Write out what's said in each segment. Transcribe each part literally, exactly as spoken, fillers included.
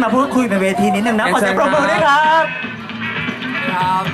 มาพูดคุยในเวทีนิดนึงนะขอเสียงปรบมือด้วยครับครับ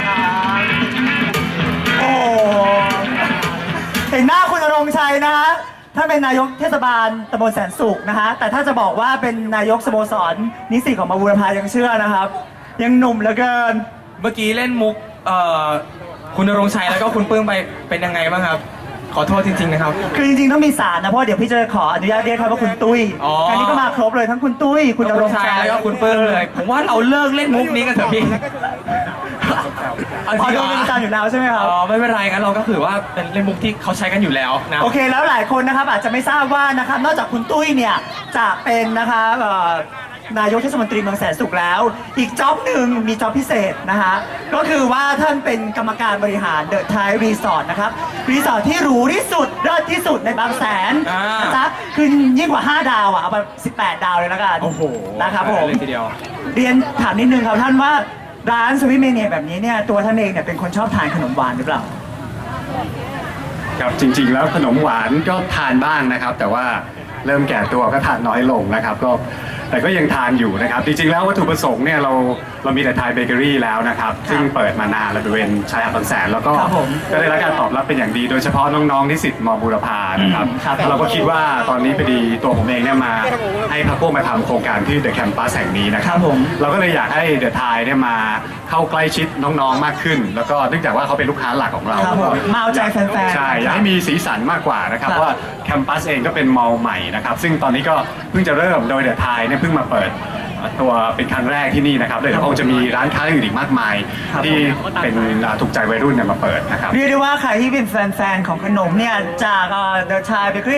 โอ้เห็นหน้าคุณณรงค์ชัยนะฮะท่านเป็นนายกเทศบาลตำบลแสนสุขนะฮะแต่ถ้าจะบอกว่าเป็นนายกสโมสรนิสิตของมาบูรพายังเชื่อนะครับ ยังหนุ่มเหลือเกินเมื่อกี้เล่นมุกเอ่อคุณณรงค์ชัยแล้วก็คุณปื้มไปเป็นยังไงบ้างครับ ขอโทษจริงๆนะครับคือจริงๆต้องมีสารนะเพราะเดี๋ยวพี่จะขออนุญาตเรียกครับว่าคุณตุ้ยอ๋ออันนี้ก็มาครบเลยทั้งคุณตุ้ยคุณณรงค์ชัยแล้วก็คุณปื้มเลย ผมว่าเราเลิกเล่นมุกนี้กันเถอะพี่เอาพอจริงโดเหรนอเป็นประจำอยู่แล้วใช่ไหมครับอ๋อไม่เป็นไรงั้นเราก็ถือว่าเป็นเล่นมุกที่เขาใช้กันอยู่แล้วนะโอเคแล้วหลายคนนะครับอาจจะไม่ทราบว่านะครับนอกจากคุณตุ้ยเนี่ยจะเป็นนะคะเอ่อนายกเทศมนตรีเมืองแสนสุขแล้ว อีกจ็อบหนึ่งมีจ็อบพิเศษนะฮะก็คือว่าท่านเป็นกรรมการบริหารเดอะไทยรีสอร์ทนะครับรีสอร์ทที่หรูที่สุดเลิศที่สุดในบางแสนอ่านนะจ๊ะคือยิ่งกว่าห้าดาวอ่ะเอาไปสิบแปดดาวเลยละกันโอ้โหนะครับผมเลยทีเดียวเรียนถามนิดนึงครับท่านว่าร้านสวิตเมเนียแบบนี้เนี่ยตัวท่านเองเนี่ยเป็นคนชอบทานขนมหวานหรือเปล่าครับจริงๆแล้วขนมหวานก็ทานบ้างนะครับ แต่ว่าเริ่มแก่ตัวก็ทานน้อยลงนะครับก็แต่ก็ยังทานอยู่นะครับจริงๆแล้ววัตถุประสงค์เนี่ยเราเรามีแต่ไทยเบเกอรี่แล้วนะครับซึ่งเปิดมานานแล้วบริเวณชายหาดบางแสนแล้วก็ครับผมก็ได้รับการตอบรับเป็นอย่างดี โดยเฉพาะน้องๆนิสิตมบูรพานะครับครับเราก็คิดว่าตอนนี้พอดีตัวผมเองเนี่ยมาให้พรรคพวกมาทำโครงการที่เดอะแคมปัสแห่งนี้นะคครัรับ บผมเราก็เลยอยากให้เดอะไทยเนี่ยมาเข้าใกล้ชิดน้องๆมากขึ้น แล้วก็เนื่องจากว่าเขาเป็นลูกค้าหลักของเราครับผมมาเอาใจแฟนๆใช่อยากให้มีสีสันมากกว่านะครับครับเพราะว่าแคมปัสเองก็เป็นมอลล์ใหม่นะครับซึ่งตอนนี้ก็เพิ่งจะเริ่มโดยเดอะไทยเนี่ยเพิ่งมาเปิดตัวเป็นครั้งแรกที่นี่นะครับเดี๋ยวคงจะมีร้านค้าอื่นอีกมากมายครับที่เป็นอ่าถูกใจวัยรุ่นเนี่ยมาเปิดนะครับเรียกได้ว่าใครที่เป็นแฟนๆของขนมเนี่ยจากเดอะชายเบเกอรี่